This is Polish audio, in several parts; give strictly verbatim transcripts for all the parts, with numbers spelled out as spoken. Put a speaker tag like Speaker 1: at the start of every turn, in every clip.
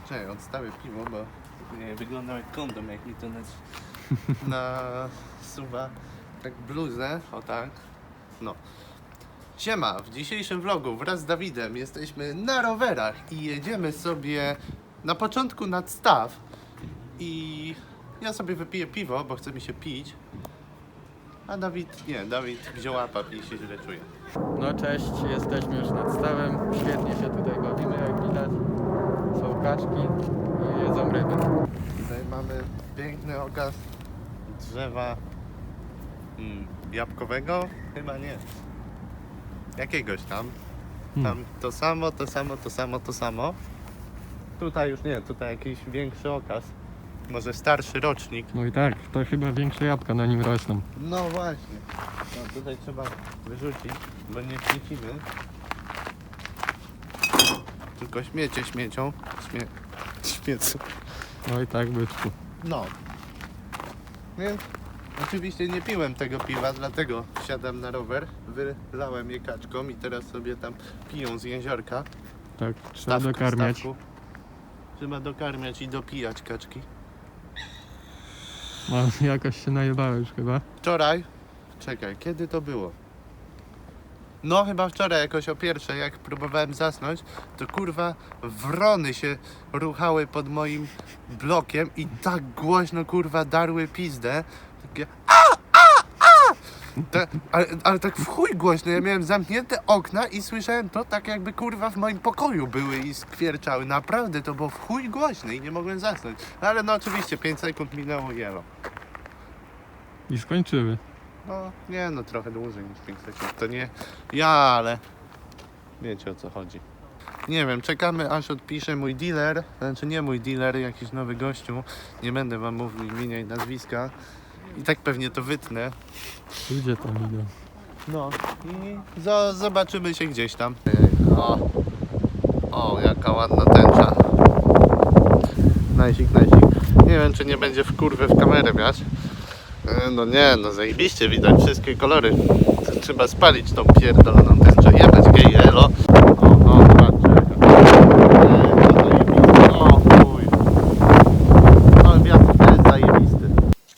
Speaker 1: Czekaj, odstawię piwo, bo nie wyglądał jak kondom, jak mi to nasuwa tak bluzę, o tak. No. Siema, w dzisiejszym vlogu wraz z Dawidem jesteśmy na rowerach i jedziemy sobie na początku nad staw i ja sobie wypiję piwo, bo chce mi się pić, a Dawid, nie, Dawid wziął łapap i się źle czuje.
Speaker 2: No cześć, jesteśmy już nad stawem, świetnie się tutaj bawimy, jak widać. Są kaczki i jedzą ryby.
Speaker 1: Tutaj mamy piękny okaz drzewa mm, jabłkowego? Chyba nie. Jakiegoś tam. Tam to samo, to samo, to samo, to samo. Tutaj już nie, tutaj jakiś większy okaz. Może starszy rocznik.
Speaker 2: No i tak, to chyba większe jabłka na nim rosną.
Speaker 1: No właśnie. No tutaj trzeba wyrzucić, bo nie śmiecimy. Tylko śmiecie śmiecią. Śmie... Śmiecą.
Speaker 2: No i tak, byczku.
Speaker 1: No. Więc oczywiście nie piłem tego piwa, dlatego wsiadam na rower, wylałem je kaczką i teraz sobie tam piją z jeziorka.
Speaker 2: Tak, trzeba
Speaker 1: Stawku,
Speaker 2: dokarmiać.
Speaker 1: stawku. Trzeba dokarmiać i dopijać kaczki.
Speaker 2: No, jakoś się najebałeś chyba.
Speaker 1: Wczoraj, czekaj, kiedy to było? No chyba wczoraj jakoś o pierwszej, jak próbowałem zasnąć, to kurwa wrony się ruchały pod moim blokiem i tak głośno kurwa darły pizdę. Takie a, a, a! Te, ale, ale tak w chuj głośno, ja miałem zamknięte okna i słyszałem to tak jakby kurwa w moim pokoju były i skwierczały. Naprawdę to było w chuj głośne i nie mogłem zasnąć. Ale no oczywiście pięć sekund minęło i elo.
Speaker 2: I skończyły.
Speaker 1: No nie no, trochę dłużej niż pięć sekund. To nie ja, ale wiecie o co chodzi. Nie wiem, czekamy aż odpisze mój dealer, znaczy nie mój dealer, jakiś nowy gościu. Nie będę wam mówił imienia i nazwiska. I tak pewnie to wytnę.
Speaker 2: Ludzie tam idą.
Speaker 1: No i zo- zobaczymy się gdzieś tam. O, o jaka ładna tęcza. Najsik, najsik. Nie wiem, czy nie będzie w kurwę w kamerę wiać. No nie, no zajebiście widać wszystkie kolory. Trzeba spalić tą pierdoloną tęczę. Jebać gej, elo. O, o, patrzcie. O chuj. No wiatr też zajebisty.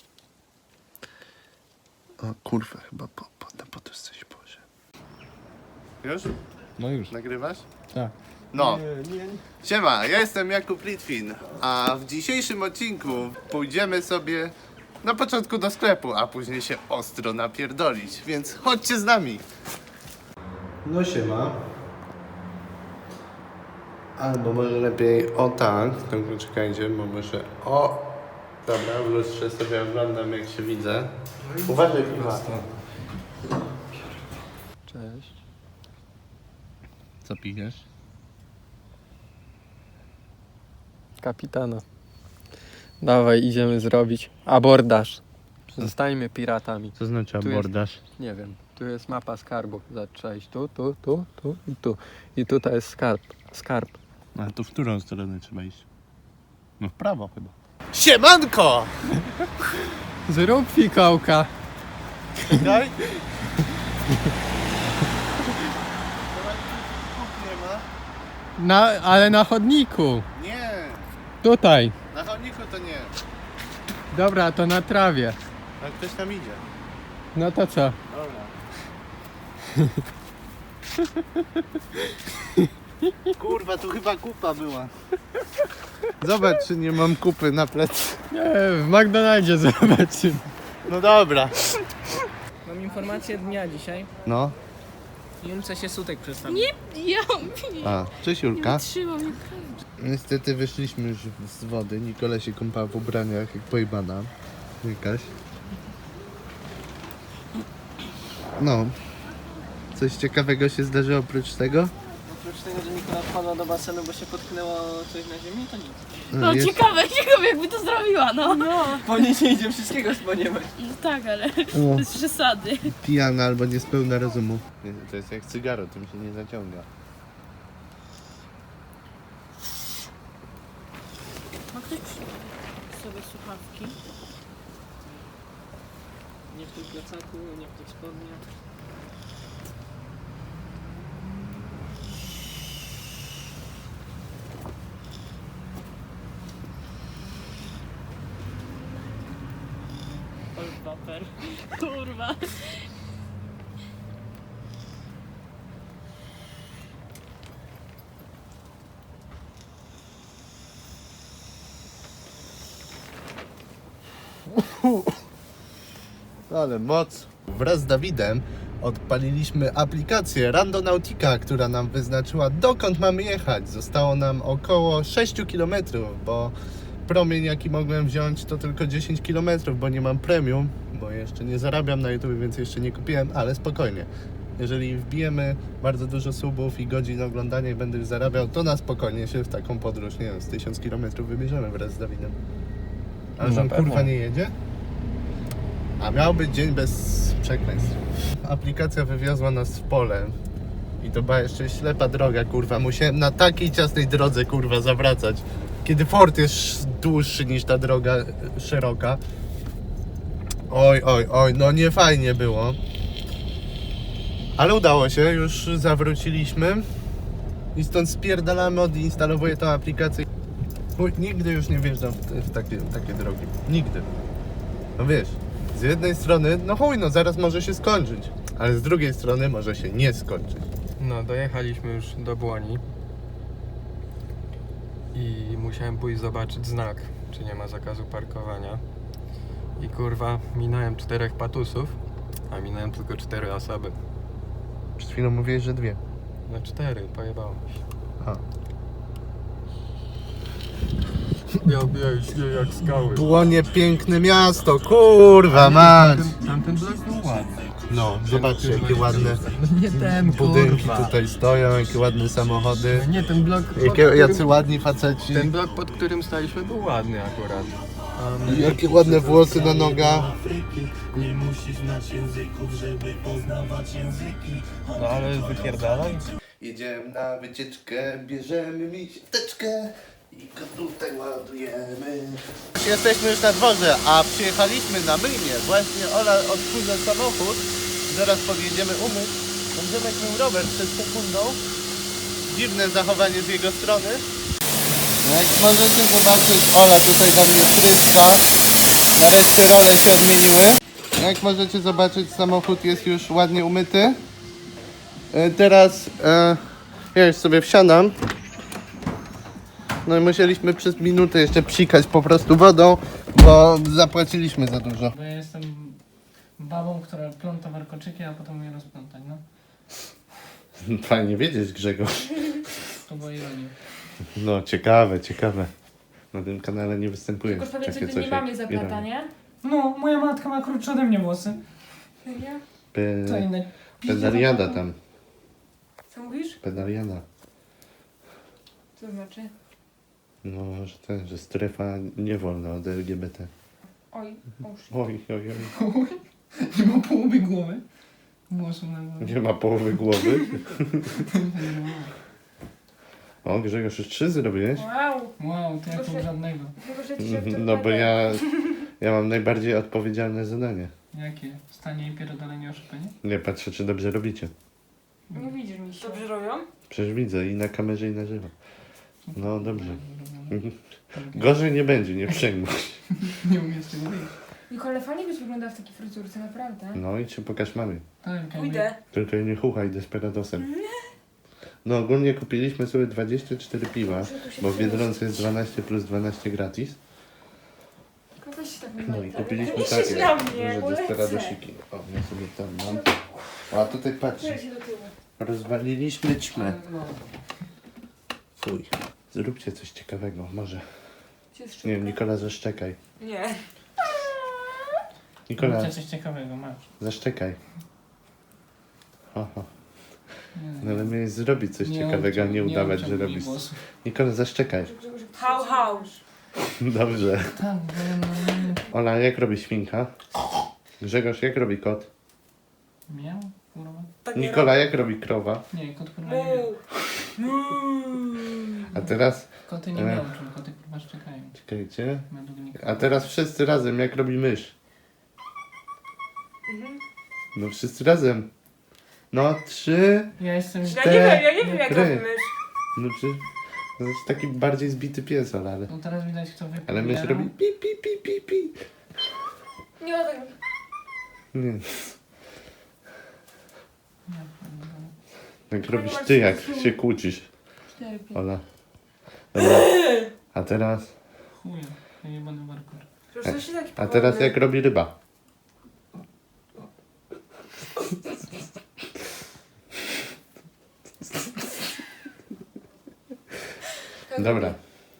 Speaker 1: O kurwa, chyba po, po, na poduszce się położę. Już?
Speaker 2: No już.
Speaker 1: Nagrywasz?
Speaker 2: Tak.
Speaker 1: No. Siema, ja jestem Jakub Litwin, a w dzisiejszym odcinku pójdziemy sobie na początku do sklepu, a później się ostro napierdolić, więc chodźcie z nami. No siema. Albo może lepiej o tak, tylko czekajcie, bo muszę o... Dobra, w lustrze sobie oglądam jak się widzę. Uważaj piwa.
Speaker 2: Cześć.
Speaker 1: Co pijesz?
Speaker 2: Kapitana. Dawaj, idziemy zrobić abordaż. Zostańmy piratami.
Speaker 1: Co znaczy
Speaker 2: Tu jest-
Speaker 1: abordaż?
Speaker 2: Nie wiem, tu jest mapa skarbów. Trzeba iść tu, tu, tu, tu i tu. I tutaj jest skarb. Skarb.
Speaker 1: A to w którą stronę trzeba iść? No w prawo chyba. Siemanko!
Speaker 2: Zrób fikołka.
Speaker 1: Czekaj. nie ma.
Speaker 2: Na, ale na chodniku.
Speaker 1: Nie,
Speaker 2: Tutaj.
Speaker 1: na chodniku to nie.
Speaker 2: Dobra, to na trawie.
Speaker 1: A ktoś tam idzie.
Speaker 2: No to co?
Speaker 1: Dobra. Kurwa, tu chyba kupa była. Zobacz, czy nie mam kupy na plecy.
Speaker 2: Nie, w McDonaldzie zobaczymy.
Speaker 1: No dobra.
Speaker 3: Mam informację dnia dzisiaj.
Speaker 1: No.
Speaker 3: Julce się sutek przedstawił.
Speaker 4: Nie, ja
Speaker 1: A, cześć Julka.
Speaker 4: trzymam.
Speaker 1: Niestety wyszliśmy już z wody. Nikola się kąpała w ubraniach jak pojebana. Jakaś. No. Coś ciekawego się zdarzyło oprócz tego?
Speaker 3: Oprócz tego, że Nikola wpadła do basenu, bo się potknęło coś na ziemi, to nic.
Speaker 4: No
Speaker 1: jest
Speaker 4: ciekawe, ciekawe jakby to zrobiła, no. No,
Speaker 3: Po niej się idzie wszystkiego spodziewać.
Speaker 4: tak, ale
Speaker 1: o,
Speaker 4: bez przesady.
Speaker 1: pijana albo niespełna rozumu. To jest jak cygaro, tym się nie zaciąga.
Speaker 4: Ma ktoś sobie słuchawki?
Speaker 3: Nie w tym plecaku, nie w tych spodniach.
Speaker 4: Waper. Kurwa.
Speaker 1: Ale moc. Wraz z Dawidem odpaliliśmy aplikację Randonautica, która nam wyznaczyła, dokąd mamy jechać. Zostało nam około sześć kilometrów, bo promień jaki mogłem wziąć to tylko dziesięć kilometrów, bo nie mam premium, bo jeszcze nie zarabiam na YouTube, więc jeszcze nie kupiłem, ale spokojnie. Jeżeli wbijemy bardzo dużo subów i godzin oglądania i będę już zarabiał, to na spokojnie się w taką podróż, nie wiem, z tysiąc kilometrów wybierzemy wraz z Dawidem. A
Speaker 2: Na
Speaker 1: że on
Speaker 2: pewno.
Speaker 1: kurwa nie jedzie? A miał być dzień bez przekleństw. Aplikacja wywiozła nas w pole. I to była jeszcze ślepa droga, kurwa. Musiałem na takiej ciasnej drodze, kurwa, zawracać. Kiedy fort jest dłuższy niż ta droga e, szeroka. Oj, oj, oj, no nie fajnie było. Ale udało się, już zawróciliśmy. I stąd spierdalamy, odinstalowuję tą aplikację. Chuj, nigdy już nie wjeżdżam w, te, w takie, takie drogi. Nigdy. No wiesz, z jednej strony, no chuj, no zaraz może się skończyć. Ale z drugiej strony może się nie skończyć.
Speaker 2: No, dojechaliśmy już do Błoni i musiałem pójść zobaczyć znak, czy nie ma zakazu parkowania. I kurwa, minąłem czterech patusów, a minąłem tylko cztery osoby.
Speaker 1: Przed chwilą mówiłeś, że dwie.
Speaker 2: No cztery, pojebało mi się.
Speaker 1: Aha.
Speaker 2: Ja biję się jak skały.
Speaker 1: Błonie, piękne miasto, kurwa mać.
Speaker 2: Tamten, tamten blok był ładny.
Speaker 1: No, zobaczcie, jakie ładne
Speaker 2: No nie ten,
Speaker 1: budynki
Speaker 2: kurwa.
Speaker 1: tutaj stoją, jakie ładne samochody.
Speaker 2: Nie, ten blok, pod
Speaker 1: Jakie,
Speaker 2: którym,
Speaker 1: jacy ładni faceci.
Speaker 2: ten blok, pod którym staliśmy, był ładny akurat. A my-
Speaker 1: Jakie ładne włosy na nogach.
Speaker 5: Nie musisz znać języków, żeby poznawać języki.
Speaker 2: No ale wypierdalaj.
Speaker 1: Jedziemy na wycieczkę, bierzemy miśteczkę i go tutaj ładujemy. Jesteśmy już na dworze, a przyjechaliśmy na myjnie. Właśnie Ola odkurza samochód. Zaraz podjedziemy umyć. Będziemy miał rower przed sekundą. Dziwne zachowanie z jego strony. Jak możecie zobaczyć, Ola tutaj do mnie tryska. Nareszcie role się odmieniły. Jak możecie zobaczyć, samochód jest już ładnie umyty. E, Teraz e, ja już sobie wsiadam. No i musieliśmy przez minutę jeszcze psikać po prostu wodą, bo zapłaciliśmy za dużo.
Speaker 3: Bo ja jestem babą, która pląta warkoczyki, a potem je rozplątać, no.
Speaker 1: Fajnie wiedzieć, Grzegorz.
Speaker 3: To była ironia.
Speaker 1: No ciekawe, ciekawe. Na tym kanale nie występuje
Speaker 6: Tylko powiedz, że
Speaker 1: takie
Speaker 6: ty
Speaker 1: coś
Speaker 6: nie
Speaker 1: jak
Speaker 6: mamie zaplata, nie?
Speaker 3: No, moja matka ma krótsze ode mnie włosy.
Speaker 6: Serio?
Speaker 3: To
Speaker 1: Pe-
Speaker 3: inne.
Speaker 1: Pedaliada tam,
Speaker 6: Co mówisz?
Speaker 1: pedaliada.
Speaker 6: Co to znaczy?
Speaker 1: No, że ten, że strefa nie wolna od L G B T.
Speaker 6: Oj, oż.
Speaker 1: Oj, oj, oj.
Speaker 3: Nie ma połowy głowy. Włosów na głowie.
Speaker 1: Nie ma połowy głowy. O, Grzegorz, już trzy zrobiłeś?
Speaker 6: Wow!
Speaker 3: Wow, to ja
Speaker 6: Proszę.
Speaker 3: pół żadnego.
Speaker 6: Tylko, że ci się
Speaker 1: No bo ja, ja mam najbardziej odpowiedzialne zadanie.
Speaker 3: Jakie? Stanie i pierdolenie o Chopinie?
Speaker 1: Nie patrzę, czy dobrze robicie.
Speaker 6: Nie widzisz mi się. Dobrze robią?
Speaker 1: Przecież widzę i na kamerze, i na żywo. No dobrze. Gorzej nie będzie, nie przejmuj.
Speaker 3: Nie umiem z tego wyjść.
Speaker 6: Nicole, fajnie byś wyglądała w takiej fryzurce, naprawdę.
Speaker 1: No i ci pokaż mamy.
Speaker 3: Tak, jakby-
Speaker 6: Pójdę.
Speaker 1: Tylko nie chuchaj desperadosem. No ogólnie kupiliśmy sobie dwadzieścia cztery piwa, bo w Biedronce jest dwanaście plus dwanaście gratis.
Speaker 6: Tylko weź się tak
Speaker 1: No i kupiliśmy
Speaker 6: Nie
Speaker 1: takie
Speaker 6: krzycz na mnie,
Speaker 1: duże
Speaker 6: bo lecę.
Speaker 1: desperadosiki. O, ja sobie tam mam. A tutaj patrz,
Speaker 6: Czuję się do tyłu.
Speaker 1: rozwaliliśmy ćmę.
Speaker 3: No.
Speaker 1: Fuj. Zróbcie coś ciekawego, może.
Speaker 6: Gdzie jest
Speaker 1: Nie wiem,
Speaker 6: szybka?
Speaker 1: Nikola, zaszczekaj.
Speaker 6: Nie.
Speaker 1: Nikola,
Speaker 3: Róbcie coś ciekawego, masz.
Speaker 1: zaszczekaj. Ho, ho.
Speaker 3: Nie,
Speaker 1: No ale miałeś zrobić coś
Speaker 3: nie
Speaker 1: ciekawego, a nie
Speaker 3: obciąg-
Speaker 1: udawać, że
Speaker 3: obciągnij
Speaker 1: robisz.
Speaker 3: włosów.
Speaker 1: Nikola, zaszczekaj.
Speaker 6: Hał, hał.
Speaker 1: Dobrze.
Speaker 3: Tak, bo no,
Speaker 1: Ola, jak robi świnka? Grzegorz, jak robi kot?
Speaker 3: miał, kurwa.
Speaker 6: Tak nie
Speaker 1: Nikola, jak robi krowa?
Speaker 3: Nie, kot kurwa nie miał.
Speaker 6: Mu.
Speaker 1: A teraz,
Speaker 3: Koty nie
Speaker 1: E.
Speaker 3: miał, czyli koty kurwa szczekają.
Speaker 1: czekajcie.
Speaker 3: Według nikogo.
Speaker 1: A teraz wszyscy razem, jak robi mysz?
Speaker 6: Mhm.
Speaker 1: No wszyscy razem. No trzy.
Speaker 3: Ja jestem...
Speaker 6: Ja nie wiem, ja nie wiem jak
Speaker 1: Cztery.
Speaker 6: robimy.
Speaker 1: No czy... To jest taki bardziej zbity pies, Ola, ale...
Speaker 3: No teraz widać kto wypił.
Speaker 1: Ale mysz
Speaker 3: ja.
Speaker 1: robi pi pi pi pi pi.
Speaker 6: Nie ma tak.
Speaker 1: Nie. Jak robisz ty, jak się kłócisz,
Speaker 6: cztery, pięć.
Speaker 1: Ola. Dobra. A teraz?
Speaker 3: Chuja, ja nie będę parkour.
Speaker 6: Przecież to się taki
Speaker 1: A teraz
Speaker 6: powolny.
Speaker 1: jak robi ryba?
Speaker 6: Tak
Speaker 1: Dobra.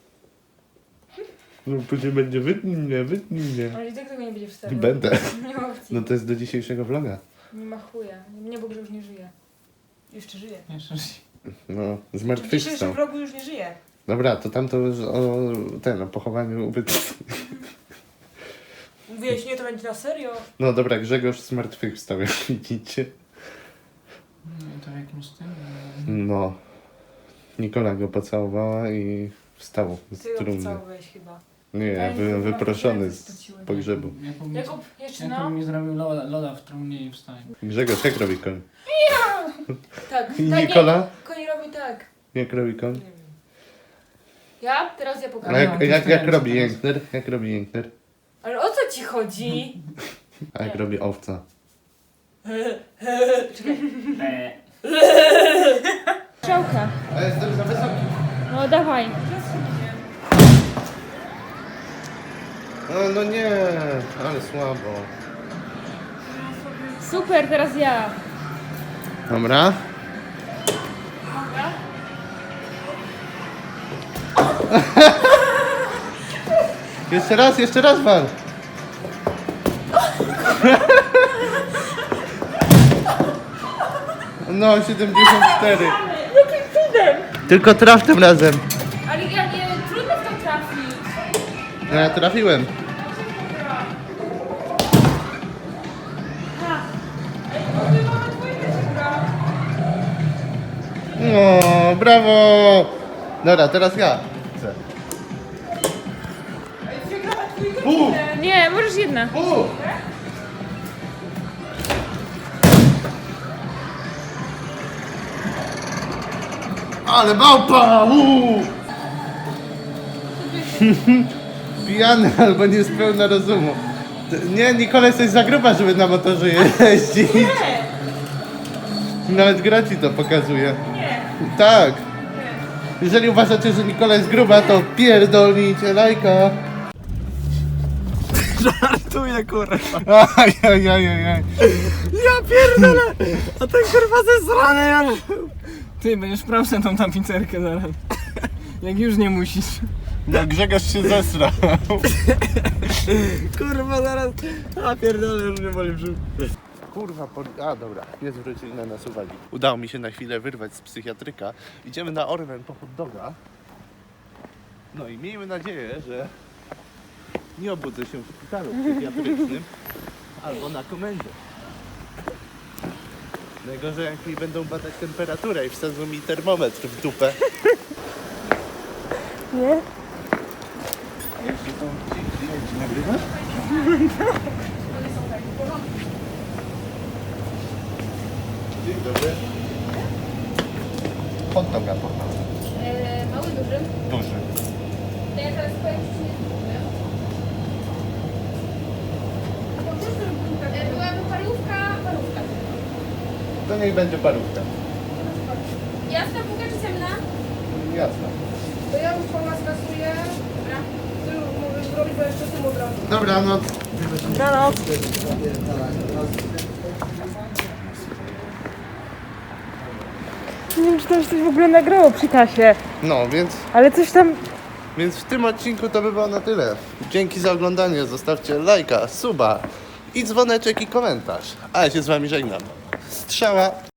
Speaker 1: No później będzie wytnij mnie, wytnij mnie.
Speaker 6: Ale i tak tego nie będzie wstawiał.
Speaker 1: Będę.
Speaker 6: Nie ma opcji.
Speaker 1: No to jest do dzisiejszego vloga.
Speaker 6: Nie ma chuja. Nie, bo już nie żyje. Jeszcze żyje.
Speaker 3: Jeszcze raz.
Speaker 1: No,
Speaker 6: W dzisiejszym
Speaker 1: zmartwychwstał.
Speaker 6: vlogu już nie żyje.
Speaker 1: Dobra, to tam to już o ten, o pochowaniu ubytku.
Speaker 6: Mówiłeś, nie, to będzie na serio.
Speaker 1: No dobra, Grzegorz zmartwychwstał, jak widzicie.
Speaker 3: No to w jakimś tym...
Speaker 1: No. Nikola go pocałowała i wstał z
Speaker 6: Ty go
Speaker 1: trumny.
Speaker 6: pocałowałeś chyba.
Speaker 1: Nie, ja
Speaker 6: Ja
Speaker 1: byłem
Speaker 6: nie
Speaker 1: wyproszony
Speaker 6: wiem,
Speaker 1: z
Speaker 6: straciłem.
Speaker 1: pogrzebu.
Speaker 3: Jakub mi,
Speaker 6: Jakub, jeszcze
Speaker 3: Jakub
Speaker 6: no.
Speaker 3: mi zrobił loda, loda w trumnie i wstałem.
Speaker 1: Grzegorz, jak robi koń?
Speaker 6: Tak,
Speaker 1: I
Speaker 6: tak,
Speaker 1: Nikola?
Speaker 6: Nie, koń robi tak.
Speaker 1: Jak robi koń?
Speaker 6: Nie wiem. Ja? Teraz ja
Speaker 1: A
Speaker 6: pokażę.
Speaker 3: No,
Speaker 1: jak,
Speaker 3: to
Speaker 1: jak,
Speaker 3: jest
Speaker 1: jak
Speaker 3: ten,
Speaker 1: robi
Speaker 3: co teraz.
Speaker 1: jękner? Jak robi jękner?
Speaker 6: Ale o co ci chodzi?
Speaker 1: A jak
Speaker 6: Nie.
Speaker 1: robi owca?
Speaker 3: Eee.
Speaker 6: Strzałka.
Speaker 1: A jestem za wysoki.
Speaker 6: No dawaj.
Speaker 1: No, no nie, ale słabo.
Speaker 6: Super, teraz ja.
Speaker 1: Dobra. Jeszcze raz, jeszcze raz wal. No, siedemdziesiąt cztery.
Speaker 6: Jakim cudem?
Speaker 1: Tylko traf tym razem.
Speaker 6: Ale ja nie, trudno w to trafić.
Speaker 1: No ja trafiłem.
Speaker 6: Ha. Ej, mówię, mamy dwójkę się gra.
Speaker 1: No, brawo. Dobra, teraz ja. Chcę.
Speaker 6: Przegrała dwójkę.
Speaker 1: Pu!
Speaker 6: Nie, możesz jedna.
Speaker 1: Pu! Ale małpa! Uuu! Pijany albo niespełna rozumu. T- Nie, Nikola, jesteś za gruba, żeby na motorze jeździć.
Speaker 6: Nie.
Speaker 1: Nawet gra ci to pokazuje.
Speaker 6: Nie.
Speaker 1: Tak. Jeżeli uważacie, że Nikola jest gruba, to pierdolnijcie lajka.
Speaker 2: Żartuję, kurwa.
Speaker 1: Ajajajajaj.
Speaker 2: Ja pierdolę! A ten kurwa ze zrany, ja...
Speaker 3: Ty będziesz sprawdzał tą tapicerkę zaraz. Jak już nie musisz.
Speaker 1: No Grzegorz się zesrał.
Speaker 2: Kurwa zaraz... A pierdolę, już nie boli brzuch.
Speaker 1: Kurwa, po... a dobra, nie zwrócili na nas uwagi. Udało mi się na chwilę wyrwać z psychiatryka. Idziemy na Orlen po hot doga. No i miejmy nadzieję, że nie obudzę się w szpitalu psychiatrycznym albo na komendzie. Najgorzej jak mi będą badać temperaturę i wsadzą mi termometr w dupę.
Speaker 6: Nie?
Speaker 1: Jeszcze są ci klienci, nagrywasz? Dzień dobry. Hot doga poproszę.
Speaker 7: E, mały, duży.
Speaker 1: Duży.
Speaker 7: To ja teraz powiem, czy nie zgubię. E, byłaby parówka, parówka.
Speaker 1: To niech będzie parówka.
Speaker 7: Jasna bułka czy ciemna?
Speaker 1: Jasne.
Speaker 7: To ja już po nas kasuję. Dobra. Ty już możesz zrobić, bo jeszcze tym od razu.
Speaker 1: Dobranoc.
Speaker 6: Dobranoc. Nie wiem, czy tam się coś w ogóle nagrało przy kasie,
Speaker 1: No, więc,
Speaker 6: ale coś tam...
Speaker 1: więc w tym odcinku to by było na tyle. Dzięki za oglądanie. Zostawcie lajka, suba i dzwoneczek i komentarz. A ja się z wami żegnam. Strzała.